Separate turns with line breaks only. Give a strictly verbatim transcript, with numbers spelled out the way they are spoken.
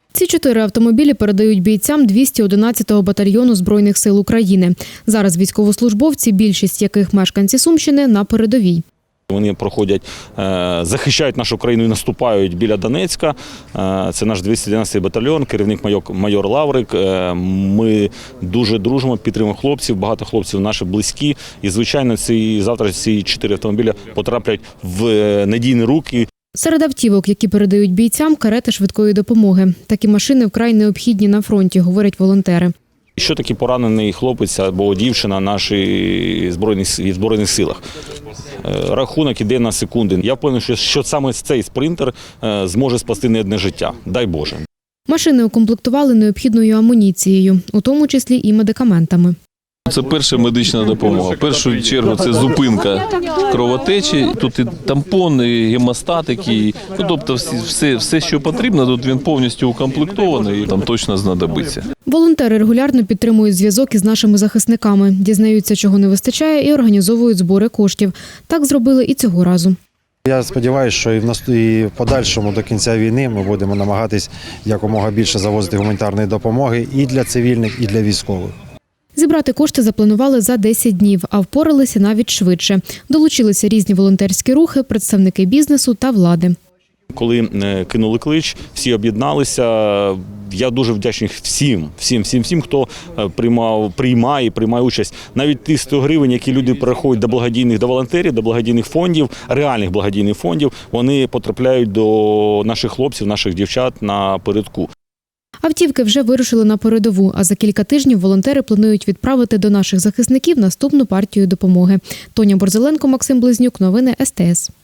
Ці чотири автомобілі передають бійцям двісті одинадцятого батальйону Збройних сил України. Зараз військовослужбовці, більшість яких мешканці Сумщини, на передовій.
Вони проходять, захищають нашу країну і наступають біля Донецька. Це наш двісті одинадцятий батальйон, керівник майор Лаврик. Ми дуже дружимо, підтримуємо хлопців, багато хлопців наші близькі. І, звичайно, ці, завтра ці чотири автомобіля потраплять в надійні руки.
Серед автівок, які передають бійцям, карети швидкої допомоги. Такі машини вкрай необхідні на фронті, говорять волонтери.
Що таке поранений хлопець або дівчина нашій збройних, збройних силах? Рахунок іде на секунди. Я впевнений, що саме цей спринтер зможе спасти не одне життя. Дай Боже.
Машини укомплектували необхідною амуніцією, у тому числі і медикаментами.
Це перша медична допомога. В першу чергу це зупинка кровотечі. Тут і тампон, і гемостатики, ну, тобто все, все, що потрібно, тут він повністю укомплектований і там точно знадобиться.
Волонтери регулярно підтримують зв'язок із нашими захисниками, дізнаються, чого не вистачає, і організовують збори коштів. Так зробили і цього разу.
Я сподіваюся, що і в нас і в подальшому до кінця війни ми будемо намагатись якомога більше завозити гуманітарної допомоги і для цивільних, і для військових.
Зібрати кошти запланували за десять днів, а впоралися навіть швидше. Долучилися різні волонтерські рухи, представники бізнесу та влади.
Коли кинули клич, всі об'єдналися. Я дуже вдячний всім, всім, всім, всім, хто приймав, приймає, приймає участь. Навіть ті сто гривень, які люди переходять до благодійних, до волонтерів, до благодійних фондів, реальних благодійних фондів, вони потрапляють до наших хлопців, наших дівчат на передку.
Автівки вже вирушили на передову, а за кілька тижнів волонтери планують відправити до наших захисників наступну партію допомоги. Тоня Борзеленко, Максим Близнюк. Новини ес те ес.